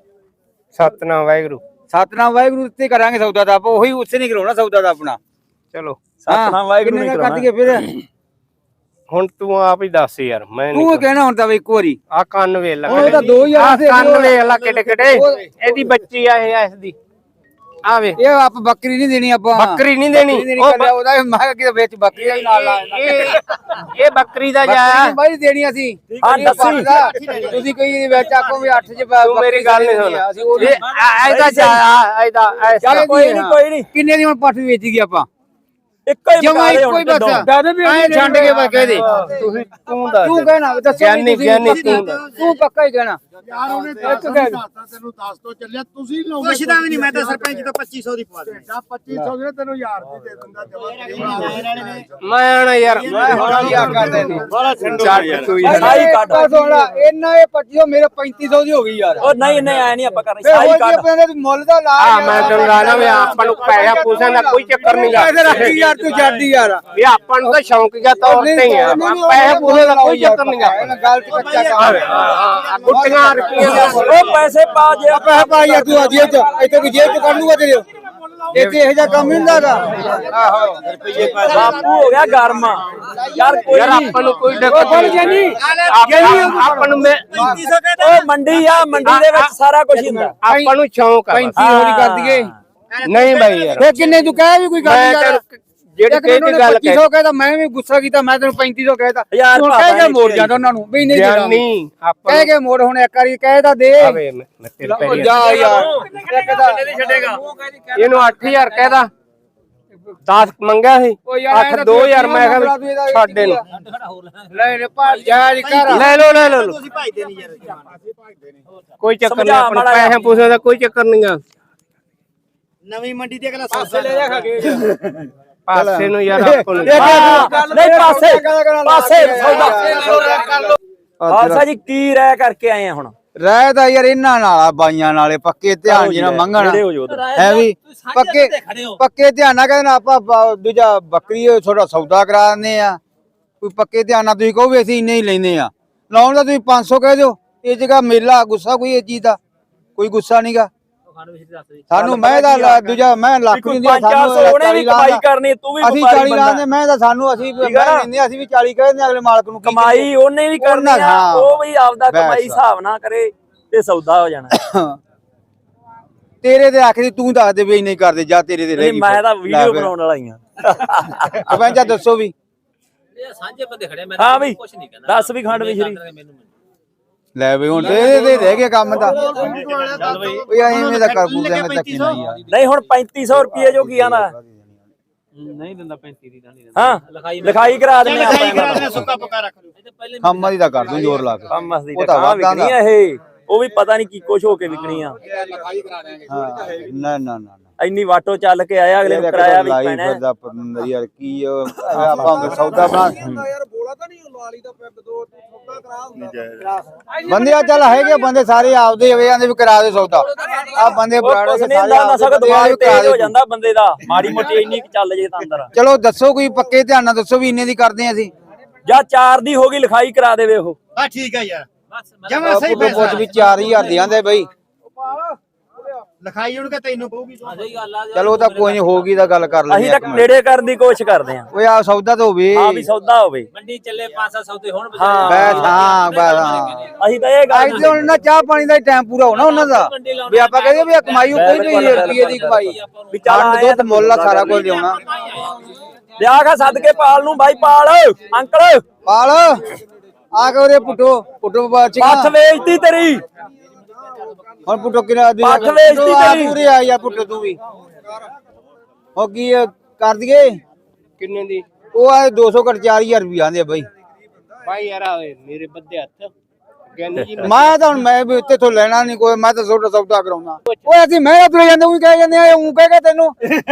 ਸਤਨਾਮ ਵਾਹਿਗੁਰੂ।
ਸਤਨਾਮ ਵਾਹਿਗੁਰੂ ਉੱਤੇ ਕਰਾਂਗੇ ਸੌਦਾ ਦਾ। ਆਪਾਂ ਉਹੀ ਉਸੇ ਨਹੀਂ ਕਰਾਉਣਾ ਸੌਦਾ ਦਾ ਆਪਣਾ।
ਚਲੋ
ਸਤਨਾਮ ਵਾਹਿਗੁਰੂ ਨਹੀਂ ਕਰਾਉਣਾ।
ਕੱਟ ਕੇ ਫਿਰ
ਹੁਣ ਤੂੰ ਆਪ ਹੀ ਦੱਸ ਯਾਰ। ਮੈਂ
ਤੂੰ ਕਹਿਣਾ ਹੁਣ ਤਾਂ ਇੱਕ ਵਾਰੀ।
ਆ ਕੰਨ ਵੇਖ ਲੈ।
ਉਹ ਤਾਂ 2000 ਦੇ
ਕੰਨ ਵੇਖ ਲੈ ਕਿੱਡੇ ਕਿੱਡੇ। ਇਹਦੀ ਬੱਚੀ ਆ ਇਹ ਇਸ ਦੀ। ਆ ਵੇ
ਇਹ ਆਪ ਬੱਕਰੀ ਨਹੀਂ ਦੇਣੀ ਆਪਾਂ।
ਬੱਕਰੀ ਨਹੀਂ ਦੇਣੀ।
ਉਹਦਾ ਮੈਂ ਕਿ ਵਿੱਚ ਬੱਕਰੀ ਦਾ ਵੀ ਨਾਲ ਲਾ
ਇਹ ਬੱਕਰੀ ਦਾ ਜਾ
ਬਾਈ ਦੇਣੀ ਅਸੀਂ।
ਹਾਂ ਦੱਸੀ।
ਤੁਸੀਂ ਕਹੀ ਵਿੱਚ ਆਖੋ ਵੀ 8 ਚ
ਤੂੰ ਮੇਰੀ ਗੱਲ ਨਹੀਂ ਸੁਣ। ਇਹਦਾ ਜਾ ਇਹਦਾ
ਚੱਲ
ਕੋਈ ਨਹੀਂ।
ਕਿੰਨੇ ਦੀ ਹੁਣ ਪੱਠ ਵੇਚ ਗਈ ਆਪਾਂ?
ਇੱਕੋ ਹੀ
ਜਮਾ
ਬਤਾ ਦੇ
ਇੱਕੋ ਹੀ ਬਸ।
ਹੁਣ।
ਐ ਛੱਡ ਕੇ ਬਸ ਕਹਿ ਦੇ।
ਤੁਸੀਂ ਤੂੰ ਦੱਸ।
ਤੂੰ ਕਹਿਣਾ ਦੱਸੋ
ਗਿਆਨੀ
ਤੂੰ ਪੱਕਾ ਹੀ ਕਹਿਣਾ।
ਯਾਰ ਉਹਨੇ ਤੈਨੂੰ ਦੱਸ ਤੋਂ ਚੱਲਿਆ, ਤੁਸੀਂ ਲੋਕ
ਪੁੱਛਦਾ ਵੀ ਨਹੀਂ, ਮੈਂ ਤਾਂ ਸਰਪੰਚ ਤੋਂ 2500 ਦੀ ਪਵਾ ਦੇ।
2500 ਦੇ ਤੈਨੂੰ 1000 ਦੀ ਦੇ ਦਿੰਦਾ ਜਮਾ।
ਮੈਂ ਨਾ ਯਾਰ
ਮੈਂ ਹੁਣ ਕੀ ਆਖਾਂ ਤੈਨੂੰ?
ਚੱਟ ਤੂੰ ਯਾਰ।
ਸਾਈ ਕੱਢ।
ਇਹਨਾਂ ਇਹ 2500 ਮੇਰੇ 3500 ਦੀ ਹੋ ਗਈ ਯਾਰ।
ਉਹ ਨਹੀਂ ਨਹੀਂ ਐ ਨਹੀਂ ਆਪਾਂ ਕਰਨੀ।
ਫੇਰ
ਸਾਈ
ਹੋਰ
ਕੱਢ।
ਕੀ ਆਪਣੇ ਮੁੱਲ ਦਾ ਲਾ।
ਆ ਮੈਂ ਤੈਨੂੰ ਲਾਣਾ ਵੀ ਆਪਾਂ ਨੂੰ ਪੈਸਾ ਪੂਸਣ ਦਾ ਕੋਈ ਚੱਕਰ ਨਹੀਂ ਗਾ।
ਪੈਸੇ ਰੱਖੀ ਯਾਰ ਤੂੰ ਛੱਡੀ ਯਾਰ।
ਵੀ ਆਪਾਂ ਨੂੰ ਤਾਂ ਸ਼ੌਂਕੀਆ ਤੌਰ ਤੇ ਹੀ ਆ। ਪੈਸੇ ਪੂਸੇ ਦਾ ਕੋਈ ਚੱਕਰ ਨਹੀਂ ਗਾ।
ਗਲਤ ਕੱਚਾ ਕੰਮ।
ਗੁੱਟੀਆਂ ਰੁਪਈਆਂ ਦਾ
ਉਹ ਪੈਸੇ ਪਾ ਜੇ
ਪੈਸੇ ਪਾ ਯਾਰ ਤੂੰ ਜੇਬ ਚ। ਇੱਥੇ ਕੋਈ ਜੇਬ ਚ ਕਰ ਲੂਗਾ ਤੇਰੇ। ਇੱਥੇ ਇਹੋ ਜਿਹਾ ਕੰਮ ਨਹੀਂ ਹੁੰਦਾ ਗਾ। ਆਹੋ
ਬਾਪੂ ਹੋ ਗਿਆ ਗਰਮ ਯਾਰ। ਕੋਈ
ਯਾਰ
ਨਹੀਂ।
ਆਪਾਂ ਨੂੰ ਕੋਈ ਦਿੱਕਤ ਨਹੀਂ। ਆਪਾਂ ਨੂੰ
ਉਹ ਮੰਡੀ ਆ, ਮੰਡੀ ਦੇ ਵਿੱਚ ਸਾਰਾ ਕੁਝ ਹੁੰਦਾ।
ਆਪਾਂ ਨੂੰ ਸ਼ੌਂਕ ਆ।
3500 ਦੀ ਕਰ ਦਈਏ।
ਨਹੀਂ ਬਾਈ ਯਾਰ।
ਫੇਰ ਕਿੰਨੇ ਤੂੰ ਕਹਿ ਵੀ ਕੋਈ ਗੱਲ
ਮੈਂ
ਨਹੀਂ।
ਜਿਹੜੀ ਕਿਹਦੀ ਗੱਲ
2500 ਕਹਿੰਦਾ, ਮੈਂ ਵੀ ਗੁੱਸਾ ਕੀਤਾ। ਮੈਂ ਤੈਨੂੰ 3500 ਕਹਿਤਾ।
ਯਾਰ
ਤੂੰ ਕਹਿ ਕੇ ਮੋੜ ਜਾਂਦਾ ਉਹਨਾਂ ਨੂੰ ਵੀ ਨਹੀਂ ਦੇਣਾ।
ਨਹੀਂ ਆਪਾਂ
ਕਹਿ ਕੇ ਮੋੜ ਹੁਣ ਇੱਕ ਵਾਰੀ ਕਹਿਦਾ ਦੇ।
ਆਵੇ ਮੈਂ ਤੇਰੇ ਪੈਰੀ
ਜਾ ਯਾਰ
ਇਹਨੂੰ 8000 ਕਹਿਦਾ। 10 ਮੰਗਿਆ ਸੀ। 8 2000 ਮੈਂ ਕਿਹਾ ਛੱਡ ਇਹਨੂੰ।
ਲੈ ਲੈ ਪਾ ਜਾ ਕਰ।
ਲੈ ਲੋ ਤੁਸੀਂ ਭਾਈਦੇ ਨਹੀਂ ਯਾਰ। ਕੋਈ ਚੱਕਰ ਨਹੀਂ। ਆਪਾਂ ਪੈਸੇ ਪੂਸੇ ਦਾ ਕੋਈ ਚੱਕਰ ਨਹੀਂ ਗਾ।
ਨਵੀਂ ਮੰਡੀ ਤੇ ਅਗਲਾ ਪਾਸੇ ਲੈ ਜਾ ਖਾਗੇ।
ਪਾਸੇ ਨੂੰ ਯਾਰ ਆਪਾਂ ਨੂੰ
ਨਹੀਂ ਪਾਸੇ ਸੌਦਾ। ਖਾਲਸਾ ਜੀ ਕੀ ਰਹਿ ਕਰਕੇ ਆਏ ਆ ਹੁਣ?
ਰਹਿ ਤਾਂ ਯਾਰ ਇਹਨਾਂ ਨਾਲ ਆ, ਬਾਈਆਂ ਨਾਲੇ ਪੱਕੇ ਧਿਆਨ ਜਿਹਨਾਂ ਮੰਗਣ
ਨੇੜੇ ਹੋ ਜਾਓ ਉੱਧਰ।
ਹੈ ਵੀ ਪੱਕੇ ਧਿਆਨ ਨਾਲ ਕਹਿੰਦੇ ਆਪਾਂ ਦੂਜਾ ਬੱਕਰੀ ਥੋੜਾ ਸੌਦਾ ਕਰਾ ਦਿੰਦੇ ਆ। ਕੋਈ ਪੱਕੇ ਧਿਆਨ ਨਾਲ ਤੁਸੀਂ ਕਹੋ ਵੀ ਅਸੀਂ ਇੰਨੇ ਹੀ ਲੈਨੇ ਆ, ਲਾਉਣ ਦਾ ਤੁਸੀਂ 500 ਕਹਿ ਦਿਓ। ਇਹ ਜਗ੍ਹਾ ਮੇਲਾ ਗੁੱਸਾ ਕੋਈ ਇਹ ਚੀਜ਼ ਦਾ ਕੋਈ ਗੁੱਸਾ ਨਹੀਂਗਾ ਸਾਨੂੰ। ਮੈਂ ਦਾ ਦੂਜਾ ਮੈਂ ਲੱਖ ਨਹੀਂ ਦਿਆ, ਸਾਨੂੰ
ਉਹਨੇ ਵੀ ਕਮਾਈ ਕਰਨੀ, ਤੂੰ ਵੀ
ਅਸੀਂ 40 ਲਾਉਂਦੇ, ਮੈਂ ਤਾਂ ਸਾਨੂੰ ਅਸੀਂ ਲੈਂਦੇ, ਅਸੀਂ ਵੀ 40 ਕਹਿੰਦੇ ਅਗਲੇ ਮਾਲਕ ਨੂੰ।
ਕਮਾਈ ਉਹਨੇ ਵੀ ਕਰਨੀ ਆ, ਉਹ ਵੀ ਆਪਦਾ ਕਮਾਈ ਹਿਸਾਬ ਨਾ ਕਰੇ ਤੇ ਸੌਦਾ ਹੋ ਜਾਣਾ।
ਤੇਰੇ ਤੇ ਆਖਰੀ ਤੂੰ ਦੱਸ ਦੇ ਵੀ ਨਹੀਂ ਕਰਦੇ ਜਾ, ਤੇਰੇ ਤੇ ਰਹਿ ਗਈ।
ਮੈਂ ਤਾਂ ਵੀਡੀਓ ਬਣਾਉਣ ਵਾਲਾ ਹੀ ਆ।
ਪੰਜਾ ਦੱਸੋ ਵੀ
ਸਾਂਝੇ ਬੰਦੇ ਖੜੇ, ਮੈਂ
ਹਾਂ ਵੀ
ਕੁਝ ਨਹੀਂ ਕਹਿੰਦਾ।
ਦੱਸ ਵੀ ਖੰਡ ਮਿਸ਼ਰੀ
ਲੈ ਬਈ ਹੁਣ ਤੇ ਰਹਿ ਗਿਆ ਕੰਮ ਦਾ। ਓਏ ਐਵੇਂ ਦਾ ਕਰ ਬੂਗਾ ਮੈਂ ਤੱਕੀ ਨਹੀਂ ਯਾਰ।
ਨਹੀਂ ਹੁਣ 3500 ਰੁਪਏ ਜੋ ਕੀ ਆਂਦਾ
ਨਹੀਂ ਦਿੰਦਾ 35 ਦੀ ਤਾਂ ਨਹੀਂ
ਹਾਂ, ਲਿਖਾਈ ਕਰਾ ਦਿੰਦੇ ਆਪਾਂ।
ਸੁੱਕਾ ਪੱਕਾ ਰੱਖ ਲਓ।
ਕੰਮ ਦੀ ਤਾਂ ਕਰ ਦੂੰ ਜ਼ੋਰ ਲਾ ਕੇ।
ਕੰਮ ਦੀ ਤਾਂ ਵਿਕਣੀ ਆ ਇਹ, ਉਹ ਵੀ ਪਤਾ ਨਹੀਂ ਕੀ ਕੁਛ ਹੋ ਕੇ ਵਿਕਣੀ ਆ।
ਹਾਂ ਨਾ ਨਾ ਨਾ
ਇੰਨੀ ਵਾਟੋ ਚੱਲ ਕੇ ਆਇਆ, ਅਗਲੇ ਨੂੰ ਕਰਾਇਆ ਵੀ ਪੈਣਾ।
ਯਾਰ ਕੀ ਆਪਾਂ ਸੌਦਾ ਬਣਾ
ਯਾਰ ਬੋਲਾ ਤਾਂ ਨਹੀਂ ਲਾਲੀ ਦਾ ਪੈਪ ਦੋ ਸੌਦਾ ਕਰਾ ਹੁੰਦਾ
ਬੰਦੇ ਆ ਚੱਲ ਹੈਗੇ ਬੰਦੇ ਸਾਰੇ ਆਪਦੇ ਹੋਏ ਆਂਦੇ ਵੀ ਕਰਾ ਦੇ ਸੌਦਾ। ਆ ਬੰਦੇ ਬਰਾੜੇ
ਕੁਛ ਨਹੀਂ ਹੁੰਦਾ, ਨਸ਼ਾ ਦਿਮਾਗ ਤੇਜ਼ ਹੋ ਜਾਂਦਾ ਬੰਦੇ ਦਾ, ਮਾੜੀ ਮੋਟੀ ਇੰਨੀ ਚੱਲ ਜੇ ਤਾਂ ਅੰਦਰ।
ਚਲੋ ਦੱਸੋ ਕੋਈ ਪੱਕੇ ਧਿਆਨ ਨਾਲ ਦੱਸੋ ਵੀ ਇੰਨੇ ਦੀ ਕਰਦੇ ਆ ਅਸੀਂ।
ਜਾਂ 4 ਦੀ ਹੋ ਗਈ, ਲਿਖਾਈ ਕਰਾ ਦੇਵੇ ਉਹ।
ਆ ਠੀਕ ਹੈ ਯਾਰ
ਜਮਾ ਸਹੀ ਪੈਸਾ ਵੀ 4000 ਦੀ ਆਂਦੇ ਬਈ।
ਲਿਖਾਈ ਉਹਨੂੰ ਕਿ ਤੈਨੂੰ ਪਊਗੀ।
ਸਹੀ ਗੱਲ ਆ।
ਚਲੋ ਤਾਂ ਕੋਈ ਨਹੀਂ ਹੋਊਗੀ ਤਾਂ ਗੱਲ ਕਰ ਲੈਂਦੇ
ਅਸੀਂ ਤਾਂ ਨੇੜੇ ਕਰਨ ਦੀ ਕੋਸ਼ਿਸ਼ ਕਰਦੇ ਆਂ।
ਓਏ ਆ ਸੌਦਾ ਤਾਂ ਹੋਵੇ।
ਹਾਂ ਵੀ ਸੌਦਾ ਹੋਵੇ,
ਮੰਡੀ ਚੱਲੇ 5-7 ਸੌਦੇ ਹੋਣ।
ਹਾਂ
ਬਸ ਹਾਂ ਬਸ ਹਾਂ।
ਅਸੀਂ ਤਾਂ ਇਹ ਗੱਲ
ਅੱਜ ਤੇ ਹੁਣ ਨਾ ਚਾਹ ਪਾਣੀ ਦਾ ਟਾਈਮ ਪੂਰਾ ਹੋਣਾ ਉਹਨਾਂ ਦਾ ਵੀ ਆਪਾਂ ਕਹਿੰਦੇ ਵੀ ਕਮਾਈ ਕੋਈ ਨਹੀਂ ਰੁਪਈਏ ਦੀ ਕਮਾਈ
ਵੀ ਚੱਲ
ਖੰਡ ਦੁੱਧ ਮੁੱਲ ਆ ਸਾਰਾ ਕੁਝ ਲਿਆਉਣਾ।
ਲਿਆ ਕੇ ਸਦਕੇ ਪਾਲ ਨੂੰ ਬਾਈ, ਪਾਲ ਅੰਕਲ
ਪਾਲ ਆ ਕੇ ਉਰੇ ਪੁੱਟੋ
ਪੱਠ ਵੇਚਤੀ ਤੇਰੀ,
ਹੁਣ ਪੁੱਟੋ ਕਿਰਾ ਦੀ
ਪੱਠ ਵੇਚਤੀ ਤੇਰੀ।
ਪੂਰੇ ਆ ਯਾਰ ਪੁੱਟੋ ਤੂੰ ਵੀ ਹੋ ਕੀ ਕਰ ਦਈਏ
ਕਿੰਨੇ ਦੀ
ਉਹ ਆ 200 ਘੱਟ 4000 ਰੁਪਏ ਆਂਦੇ ਆ ਬਾਈ।
ਭਾਈ ਯਾਰ ਮੇਰੇ ਬੱਦੇ ਹੱਥ ਗਿਆਨੀ ਜੀ
ਮੈਂ ਤਾਂ ਹੁਣ ਮੈਂ ਵੀ ਇੱਥੇ ਤੋਂ ਲੈਣਾ ਨਹੀਂ ਕੋਈ, ਮੈਂ ਤਾਂ ਛੋਟਾ ਸੌਦਾ ਕਰਾਉਣਾ। ਓਏ ਅਸੀਂ ਮੈਂ ਤੁਰੇ ਜਾਂਦੇ ਉਹ ਕਹਿ ਜਾਂਦੇ ਆ ਉਹ ਕਹਿ ਤੈਨੂੰ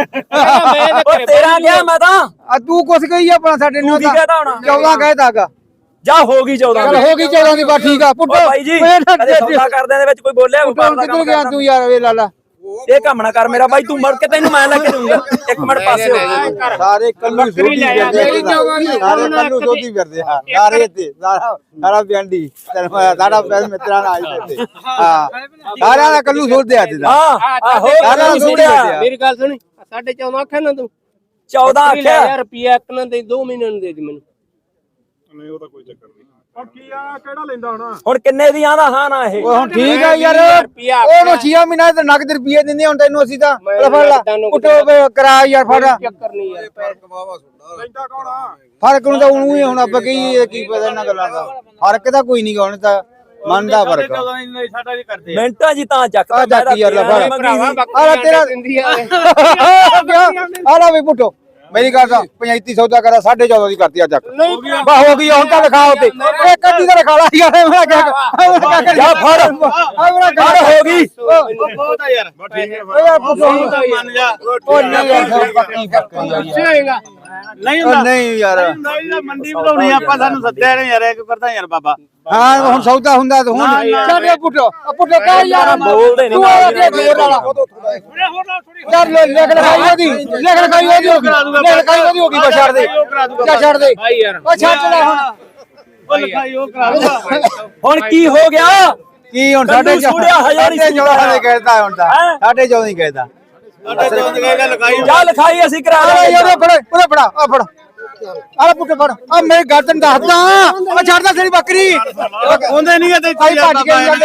ਉਹ ਤੇਰਾ ਗਿਆ ਮੈਂ ਤਾਂ
ਆ ਤੂੰ ਕੁਛ ਕਹੀ ਆਪਣਾ ਸਾਡੇ
ਤੂੰ
ਨੂੰ
ਕੀ ਕਹਤਾ ਹੋਣਾ?
14 ਕਹਿਤਾਗਾ।
ਜਾ ਹੋ ਗਈ 14
ਚੱਲ ਹੋ ਗਈ 14 ਦੀ ਬਸ ਠੀਕ ਆ ਪੁੱਟੋ।
ਓ ਬਾਈ ਜੀ ਕਦੇ ਸੌਦਾ ਕਰਦਿਆਂ ਦੇ ਵਿੱਚ ਕੋਈ ਬੋਲਿਆ ਵਪਾਰ ਦਾ
ਕਿੱਧਰ
ਕੰਮ
ਗਿਆ ਤੂੰ ਯਾਰ ਵੇ ਲਾਲਾ।
ਇਹ ਕੰਮ ਨਾ ਕਰ ਮੇਰਾ ਬਾਈ, ਤੂੰ ਮਰ ਕੇ ਤੈਨੂੰ ਮੈਂ ਲੈ ਕੇ ਦੂੰਗਾ। ਇੱਕ ਮਿੰਟ ਪਾਸੇ ਹੋ।
ਸਾਰੇ ਕੱਲੂ ਸੋਧੀ ਫਿਰਦੇ ਸਾਰੇ ਕੱਲੂ ਸੋਧੀ ਫਿਰਦੇ ਆ ਸਾਰੇ ਇੱਥੇ ਸਾਰਾ ਪਿੰਡੀ ਸਾਡਾ ਪੈਰ ਮਿੱਤਰਾਂ ਨਾਲ ਆਏ ਤੇ ਹਾਂ ਸਾਰਿਆਂ ਦਾ ਕੱਲੂ ਸੋਧਦੇ ਆ ਤੇ
ਹਾਂ ਆਹੋ
ਸਾਰਿਆਂ ਦਾ ਸੋਧਿਆ।
ਮੇਰੀ ਗੱਲ ਸੁਣੀ 14.5 ਆਖਿਆ ਨਾ ਤੂੰ
14 ਆਖਿਆ
ਯਾਰ ਰੁਪਿਆ ਇੱਕ ਨਾ ਦੇ 2 ਮਹੀਨੇ ਨੂੰ ਦੇ ਦੇ ਮੈਨੂੰ।
ਨਹੀਂ ਉਹ ਤਾਂ ਕੋਈ ਚੱਕਰ ਨਹੀਂ। ਉਹ ਕੀ ਆ ਕਿਹੜਾ ਲੈਂਦਾ ਹੁਣ?
ਹੁਣ ਕਿੰਨੇ ਦੀ ਆਂਦਾ ਹਾਂ ਨਾ ਇਹ?
ਓਏ ਹੁਣ ਠੀਕ ਆ ਯਾਰ ਉਹਨੂੰ 6 ਮਹੀਨਾ ਤੇ ਨਗਦ ਰੁਪਏ ਦਿੰਦੇ ਹੁਣ ਤੈਨੂੰ ਅਸੀਂ ਤਾਂ ਫੜ ਲਾ ਪੁੱਟੋ ਕਰਾ ਯਾਰ ਫੜ
ਚੱਕਰ ਨਹੀਂ ਯਾਰ
ਲੈਂਦਾ ਕੌਣ ਆ?
ਫਰਕ ਨੂੰ ਤਾਂ ਉਹਨੂੰ ਹੀ ਹੁਣ ਆਪਾਂ ਕੀ ਪਤਾ ਇਹਨਾਂ ਗੱਲਾਂ ਦਾ ਫਰਕ ਤਾਂ ਕੋਈ ਨਹੀਂ ਗਾ ਹੁਣ ਤਾਂ ਮੰਨਦਾ ਫਰਕ
ਸਾਡਾ ਵੀ ਕਰਦੇ
ਮਿੰਟਾਂ ਜੀ ਤਾਂ ਚੱਕਦਾ
ਆ ਚੱਕ ਯਾਰ ਲੈ ਫੜ ਆ ਤੇਰਾ
ਦਿੰਦੀ ਆ
ਆ ਲੈ ਵੀ ਪੁੱਟੋ ਮੇਰੀ ਗੱਲ ਤਾਂ 35 ਸੌਦਾ ਕਰਾ 14.5 ਦੀ ਕਰਤੀ ਆ ਚੱਕ ਬਾ ਹੋ ਗਈ ਹੁਣ ਤਾਂ ਲਿਖਾ ਉਤੇ ਇਹ ਕੱਢੀ ਦਾ ਲਿਖਾ ਲਾ ਯਾਰ ਮੈਂ ਕਿਹਾ
ਜਾ ਫੜ ਹੋ ਗਈ।
ਬਹੁਤ ਆ ਯਾਰ
ਓਏ ਯਾਰ ਪੁੱਟੋ
ਮੰਨ ਜਾ
ਉਹ ਨਹੀਂ ਯਾਰ ਪੱਕੀ ਫਰਕ
ਹੋਏਗਾ ਨਹੀਂ
ਨਹੀਂ ਯਾਰ
ਮੰਡੀ ਵਧਾਉਣੀ ਆਪਾਂ ਸਾਨੂੰ ਸੱਦਿਆ ਨੇ ਯਾਰ ਇੱਕ ਕਰਦਾ ਯਾਰ ਬਾਬਾ।
ਹਾਂ ਹੁਣ ਸੌਦਾ ਹੁੰਦਾ ਤੇ ਹੁਣ ਸਾਡੇ ਪੁੱਟੋ ਕਹਿ ਯਾਰ
ਬੋਲਦੇ ਨੀ
ਤੂੰ ਆ ਕੇ ਜ਼ੋਰ ਵਾਲਾ ਯਾਰ ਲਿਖ ਲਿਖਾਈ ਉਹਦੀ ਹੋ ਗਈ ਲਿਖ ਲਿਖਾਈ ਉਹਦੀ ਹੋ ਗਈ ਬਸ ਛੱਡ ਦੇ ਜਾ ਛੱਡ ਦੇ
ਭਾਈ ਯਾਰ
ਉਹ ਛੱਡ ਲੈ ਹੁਣ
ਉਹ ਲਿਖਾਈ ਉਹ ਕਰਾ ਦੂਗਾ
ਹੁਣ ਕੀ ਹੋ ਗਿਆ?
ਕੀ ਹੁਣ
ਕੱਲੂ ਸੁਣਿਆ ਹਜ਼ਾਰ ਹੀ
ਸਾਡੇ ਕਹਿਦਾ ਹੁਣ ਤਾਂ 14.5 ਹੀ ਕਹਿਦਾ
ਜਾ ਲਿਖਾਈ ਅਸੀਂ ਕਰਾ ਦਾਂਗੇ।
ਯਾਰ ਉਹਦੇ ਫੜਾ ਆ ਫੜ ਆ ਪੁੱਟ ਫੜ ਆ ਮੇਰੇ ਗਰਦਨ ਦੱਸਦਾ ਆ ਛੱਡਦਾ ਤੇਰੀ ਬੱਕਰੀ
ਉਹਦੇ ਨਹੀਂ ਤੇ
ਭਾਈ ਭੱਜ ਕੇ ਜਾਂਦੇ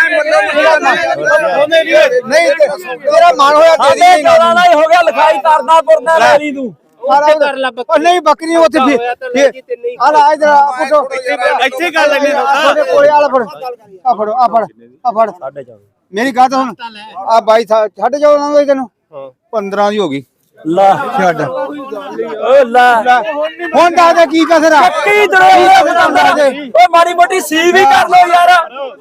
ਉਹਦੇ ਨਹੀਂ
ਨਹੀਂ ਤੇਰਾ ਮਨ ਹੋਇਆ ਦੇ
ਸਾਡੇ
ਦੇ
14 ਦਾ ਹੀ ਹੋ ਗਿਆ, ਲਿਖਾਈ ਕਰਦਾ ਪੁਰਦਾ ਲੈ ਲਈ ਤੂੰ।
ਕਰ ਲਾ
ਉਹ ਨਹੀਂ ਬੱਕਰੀ ਉੱਥੇ ਆ ਲੈ ਇਧਰ ਆ ਪੁੱਟੋ
ਇੱਥੇ ਕਰ ਲੈਣੇ
ਤੁਹਾਡੇ ਕੋਲੇ ਆ ਲੈ ਫੜ ਆ ਫੜੋ ਆ ਫੜ ਆ ਫੜ
14.5
ਮੇਰੀ ਗੱਲ ਹੁਣ ਆ ਬਾਈ 14.5 ਨਾ ਹੋਈ ਤੈਨੂੰ 15 ਦੀ ਹੋ ਗਈ
ਲਾ
ਛੱਡ
ਓ ਲਾ
ਹੁਣ ਦੱਸ ਦੇ ਕੀ ਕਸਰ ਆ
ਕੀ ਦਰੋ ਓ ਮਾੜੀ ਮੋਟੀ ਸੀ ਵੀ ਕਰ ਲੋ ਯਾਰ।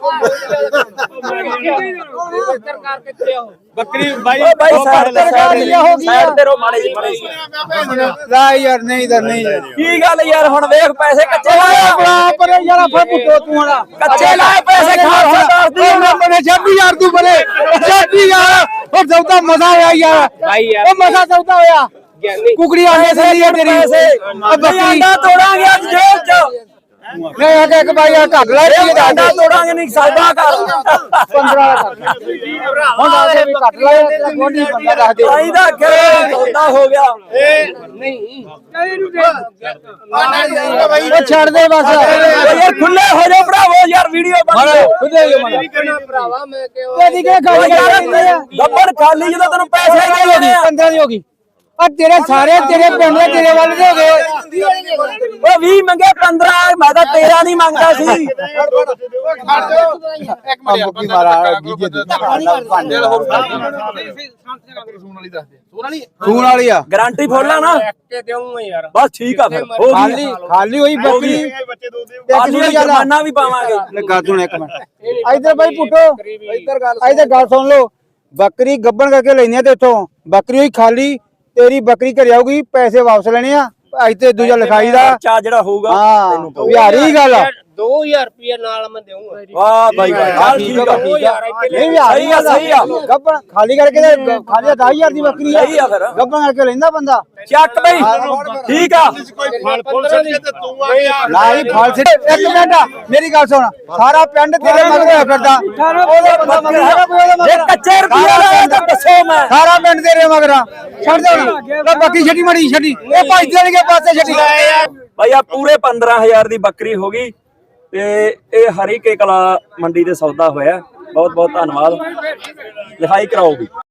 ਬੱਕਰੀ ਬਾਈ
ਓ ਬਾਈ ਸਾਈਡ ਤੇ
ਹੋ ਗਈ
ਸਾਈਡ ਤੇ ਰੋ ਮਾੜੀ ਜੀ
ਲੈ ਯਾਰ ਨਹੀਂ ਤਾਂ ਨਹੀਂ
ਕੀ ਗੱਲ ਯਾਰ, ਹੁਣ ਵੇਖ ਪੈਸੇ ਕੱਚੇ ਲਾਇਆ
ਬੜਾ ਪਰ ਯਾਰ ਫੜ ਪੁੱਟੋ ਤੂੰ ਹਣਾ
ਕੱਚੇ ਲਾਏ ਪੈਸੇ ਖਾਲਸਾ ਦੱਸਦੀ
ਮੈਨੇ 26000 ਤੂੰ ਬਰੇ 26000 ਉਹ ਸੌਦਾ ਮਜ਼ਾ ਹੋਇਆ ਯਾਰ
ਭਾਈ ਯਾਰ
ਉਹ ਮਜ਼ਾ ਸੌਦਾ ਹੋਇਆ ਕੁਕੜੀ ਆਂਡੇ ਸੰਦੀ ਆ ਤੇਰੀ ਆ ਬੱਕਰੀ
ਆਂਡਾ ਤੋੜਾਂਗੇ ਅੱਜ ਜੇਬ ਚ
ਮੈਂ ਆ ਕੇ ਇੱਕ ਬਾਈ ਆ ਘੱਟ ਲੈ ਕੇ ਦੱਸ
ਆਂਡਾ ਤੋੜਾਂਗੇ ਨਹੀਂ ਸੌਦਾ ਕਰ
15 ਹੁਣ ਆ ਕੇ ਵੀ ਘੱਟ ਲੈ ਤੇਰਾ ਗੋਡੀ ਬੰਦਾ ਦੱਸ ਦੇ
ਭਾਈ ਦਾ ਅੱਗੇ ਸੌਦਾ ਹੋ ਗਿਆ
ਉਹ ਛੱਡ ਦੇ ਬਸ
ਇਹ ਖੁੱਲੇ ਹੋ ਜਾਓ ਭਰਾਵੋ ਯਾਰ ਵੀਡੀਓ ਬਣ
ਖੁੱਲੇ ਹੋ ਮਨ
ਭਰਾਵਾ ਮੈਂ ਕਿਹਾ
ਤੇਰੀ ਕਿਹੜਾ ਖਾਲੀ ਕਰ
ਗੱਬੜ ਖਾਲੀ ਜਦੋਂ ਤੈਨੂੰ ਪੈਸੇ ਹੀ ਨਹੀਂ ਦੇਣੇ
15 ਦੀ ਹੋ ਗਈ ਆ ਤੇਰੇ ਸਾਰੇ ਤੇਰੇ ਪਿੰਡ ਦੇ ਤੇਰੇ ਵੱਲ ਦੇ ਹੋ ਗਏ
ਉਹ 20 ਮੰਗੇ 15 ਮੈਂ ਤਾਂ 13 ਨਹੀਂ ਮੰਗਦਾ ਸੀ
ਮੁੱਕੀ ਮਾਰਾ ਗੀਜੇ ਦੀ ਖੂਨ ਵਾਲੀ ਆ
ਗਾਰੰਟੀ ਫੋਲਾ ਨਾ
ਕੇ ਦੇਵਾਂਗਾ ਯਾਰ
ਬਸ ਠੀਕ ਆ ਫਿਰ ਹੋ
ਖਾਲੀ
ਗਈ
ਖਾਲੀ ਹੋਈ ਬੱਕਰੀ
ਅੱਜ ਵੀ ਜਮਾਨਾ ਵੀ ਪਾਵਾਂਗੇ
ਲੱਗਾ ਤੂੰ ਇੱਕ ਮਿੰਟ ਇੱਧਰ ਬਾਈ ਪੁੱਟੋ ਇੱਧਰ ਗੱਲ ਸੁਣ ਲਓ ਬੱਕਰੀ ਗੱਬਣ ਕਰਕੇ ਲੈਣੀ ਆ ਤੇ ਇੱਥੋਂ ਬੱਕਰੀ ਹੋਈ ਖਾਲੀ ਤੇਰੀ ਬੱਕਰੀ ਘਰੇ ਆਊਗੀ ਪੈਸੇ ਵਾਪਸ ਲੈਣੇ ਆ ਇੱਥੇ ਦੂਜਾ ਲਿਖਾਈ ਦਾ
ਖਰਚਾ ਜਿਹੜਾ ਹੋਊਗਾ
ਹਾਂ
ਤੈਨੂੰ ਪਊਗਾ।
ਵਿਹਾਰੀ ਗੱਲ ਆ
2000 ਰੁਪਏ ਨਾਲ ਮੈਂ ਦੇਵਾਂਗਾ
ਵਾਹ ਬਾਈ ਵਾਹ ਠੀਕ ਆ
ਨਹੀਂ ਵਿਹਾਰੀ
ਸਹੀ ਆ, ਸਹੀ ਆ।
ਗੱਬਣ ਖਾਲੀ ਕਰਕੇ ਤੇ ਖਾਲੀ 10000 ਦੀ ਬੱਕਰੀ ਆ
ਸਹੀ ਆ ਫਿਰ
ਗੱਬਣ ਕਰਕੇ ਲੈਂਦਾ ਬੰਦਾ
ਚੱਕ ਬਈ ਠੀਕ ਆ
ਨਾ ਹੀ ਫਾਲ ਸਿੱਟ ਇੱਕ ਮਿੰਟ ਮੇਰੀ ਗੱਲ ਸੁਣ ਸਾਰਾ ਪਿੰਡ ਤੇਰੇ ਮਗਰ ਹੋਇਆ ਫਿਰਦਾ ਉਹਦਾ ਬੰਦਾ ਮਗਰ ਹੈਗਾ ਕੋਈ ਉਹਦਾ
ਜੇ
ਮਗਰ
ਕੱਚੇ ਰੁਪਏ ਲਾਇਆ ਤਾਂ ਦੱਸੋ ਮੈਂ
ਸਾਰਾ ਪਿੰਡ ਤੇਰੇ ਮਗਰ ਆ ਛੱਡ ਦੇ ਹੁਣ ਲੈ ਬਾਕੀ ਛੱਡੀ ਮੜੀ ਛੱਡੀ ਇਹ ਭਾਈ ਦੇਣਗੇ ਪਾਸੇ ਛੱਡੀ
ਭਾਈ ਆ ਪੂਰੇ 15000 ਦੀ ਬੱਕਰੀ ਹੋ ਗਈ ਤੇ ਇਹ ਹਰੀ ਕੇ ਕਲਾ ਮੰਡੀ ਦੇ ਸੌਦਾ ਹੋਇਆ ਬਹੁਤ ਬਹੁਤ ਧੰਨਵਾਦ ਲਿਖਾਈ ਕਰਾਓ ਵੀ